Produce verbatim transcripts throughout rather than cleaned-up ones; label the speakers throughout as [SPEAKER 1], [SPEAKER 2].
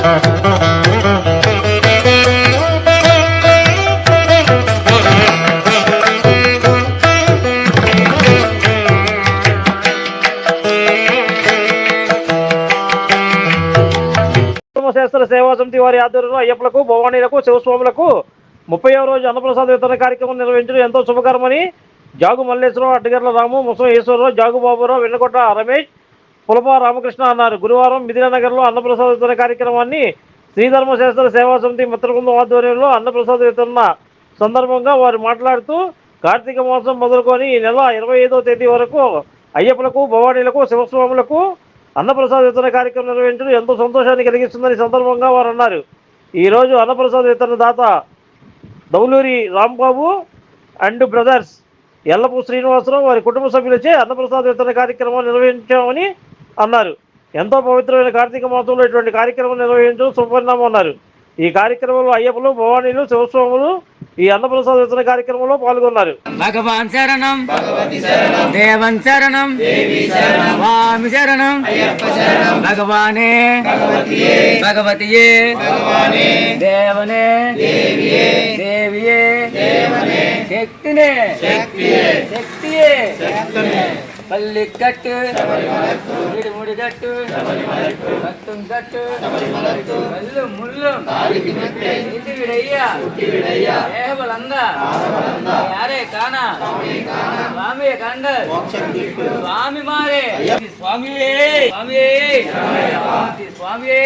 [SPEAKER 1] శాస్త్ర సేవా సమితి వారి ఆధ్వర్యంలో అయ్యప్పలకు భవానీలకు శివస్వాములకు ముప్పైవ రోజు అన్నప్రసాద వితరణ కార్యక్రమం నిర్వహించడం ఎంతో శుభకరమని జాగు మల్లేశ్వరరావు, అడ్డగర్ల రాము, ముసం ఈశ్వరరావు, జాగు బాబురావు, వెన్నకొట్ట రమేష్, పులప రామకృష్ణ అన్నారు. గురువారం మిథిలానగర్లో అన్నప్రసాద వితరణ కార్యక్రమాన్ని శ్రీధర్మశాస్త్ర సేవా సమితి మిత్రబృందం ఆధ్వర్యంలో అన్నప్రసాద వితరణ సందర్భంగా వారు మాట్లాడుతూ కార్తీక మాసం మొదలుకొని ఈ నెల ఇరవై ఐదవ తేదీ వరకు అయ్యప్పలకు భవానీలకు శివస్వాములకు అన్నప్రసాద వితరణ కార్యక్రమం నిర్వహించడం ఎంతో సంతోషాన్ని కలిగిస్తుందని సందర్భంగా వారు అన్నారు. ఈరోజు అన్నప్రసాద వితరణ దాత దౌలూరి రాంబాబు అండ్ బ్రదర్స్ ఎల్లపు శ్రీనివాసరావు వారి కుటుంబ సభ్యులచే అన్నప్రసాద వితరణ కార్యక్రమం నిర్వహించామని అన్నారు. ఎంతో పవిత్రమైన కార్తీక మాసంలో ఇటువంటి కార్యక్రమం నిర్వహించడం శుభపరిణామం అన్నారు. ఈ కార్యక్రమంలో అయ్యప్పలు, భవానీలు, శివస్వాములు ఈ అన్నప్రసాద వితరణ కార్యక్రమంలో పాల్గొన్నారు.
[SPEAKER 2] భగవాన్ శరణం, దేవన్ శరణం, స్వామి శరణం, భగవానే భగవతియే, దేవనే దేవియే, శక్తినే శక్తియే, పల్లికట్టు ముడిగట్టు కట్టు కల్లు ముళ్ళు ఇంటి విడయ్యా దేహబలంగా యారే కానా స్వామి కండ స్వామి మారే స్వామియే స్వామియే స్వామియే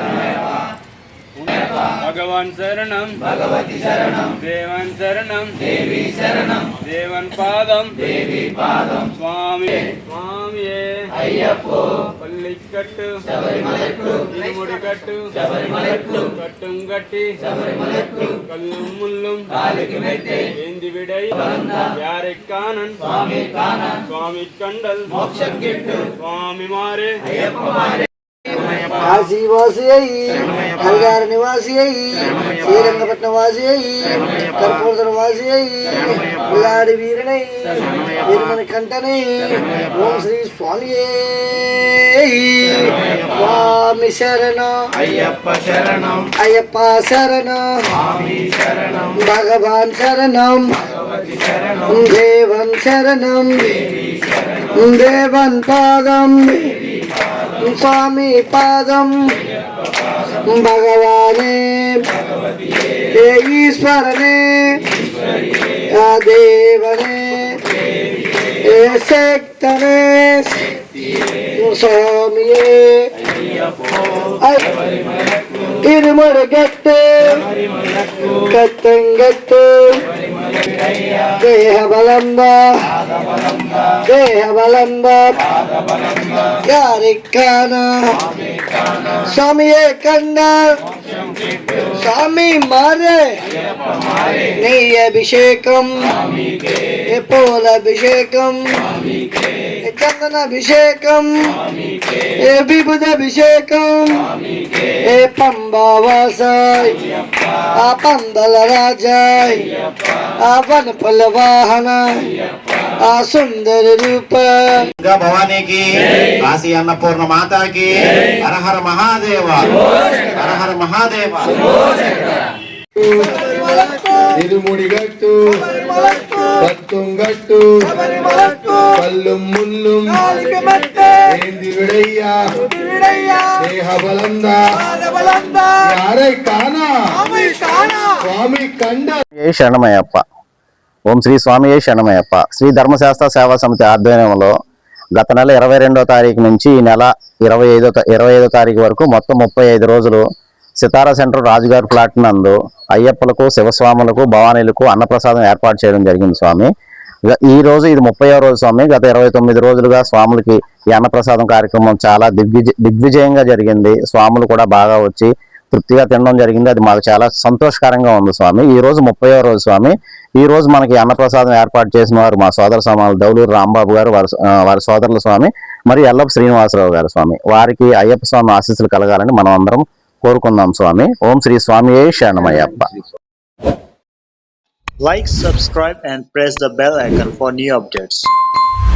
[SPEAKER 3] భగవాన్ శరణం, భగవతి శరణం, దేవన్ శరణం, దేవి శరణం, దేవన్ పాదం, దేవి పాదం, స్వామి స్వామియే అయ్యప్పో, పల్లికట్టు శబరిమలట్టు, ఇరుముడికట్టు శబరిమలట్టు, కట్టుం గట్టి శబరిమలట్టు, కల్లుం ముల్లుం కాలికి మెట్టే, ఏంది విడై యారెక్కానన్ స్వామి కానన్, స్వామి కండల్ మోక్షం గిట్టు, స్వామి మారే అయ్యప్ప మారే,
[SPEAKER 4] కాశీవాసి అయ్యి, హరిగార నివాసి అయ్యి, శ్రీరంగపట్నం వాసి అయ్యి, కర్పూర వాసి అయ్యి, ఉల్లాడి వీరనై వీరమని కంటనై, ఓం శ్రీ స్వామి స్వామి శరణం, అయ్యప్ప శరణం, అయ్యప్ప శరణం, స్వామి శరణం, భగవాన్ శరణం, దేవన్ శరణం, దేవన్ పాదం, స్వామి పాదం, భగవానే ఈశ్వరనే దేవనే శక్తనే స్వామియే ఇరుముడుగట్టు కత్తంగట్టు దేహ బలంబ దేహ బలంబ యారికాన స్వామియే కండ స్వామి మారే నీ అభిషేకం పూల అభిషేకం చందన అభిషేకం ఏ విభుద అభిషేకం ఏ పంబావాసాయ్ ఆ పందల రాజాయ్ ఆ వనపల వాహన ఆ సుందర రూప
[SPEAKER 5] భవానీకి కాశీ అన్నపూర్ణ మాతాకి హరహర మహాదేవ హరహర మహాదేవ.
[SPEAKER 6] ఇరుముడిగట్టు కత్తుంగట్టు కల్లు ముల్లు ఏంది విడయ్యా దేహ బలందా యారై కానా స్వామి కండ.
[SPEAKER 7] శరణమయ్యప్ప. ఓం శ్రీ స్వామి శరణమయ్యప్ప. శ్రీ ధర్మశాస్త్ర సేవా సమితి ఆధ్వర్యంలో గత నెల ఇరవై రెండో తారీఖు నుంచి ఈ నెల ఇరవై ఐదో ఇరవై ఐదో తారీఖు వరకు మొత్తం ముప్పై ఐదు రోజులు సితారా సెంటర్ రాజుగారి ఫ్లాట్ నందు అయ్యప్పలకు, శివస్వాములకు, భవానీలకు అన్నప్రసాదం ఏర్పాటు చేయడం జరిగింది స్వామి. ఈ రోజు ఇది ముప్పైవ రోజు స్వామి. గత ఇరవై తొమ్మిది రోజులుగా స్వాములకి ఈ అన్నప్రసాదం కార్యక్రమం చాలా దిగ్విజ దిగ్విజయంగా జరిగింది. స్వాములు కూడా బాగా వచ్చి తృప్తిగా తినడం జరిగింది. అది మాకు చాలా సంతోషకరంగా ఉంది స్వామి. ఈ రోజు ముప్పైవ రోజు స్వామి. ఈ రోజు మనకి అన్నప్రసాదం ఏర్పాటు చేసిన వారు మా సోదర సమానులు దౌలూరు రాంబాబు గారు, వారి వారి సోదరుల స్వామి, మరియు ఎల్లపు శ్రీనివాసరావు గారు స్వామి. వారికి అయ్యప్ప స్వామి ఆశీస్సులు కలగాలని మనం అందరం కోరుకుందాం స్వామి. ఓం శ్రీ స్వామి శరణమయ్యప్ప.
[SPEAKER 8] Like, subscribe and press the bell icon for new updates.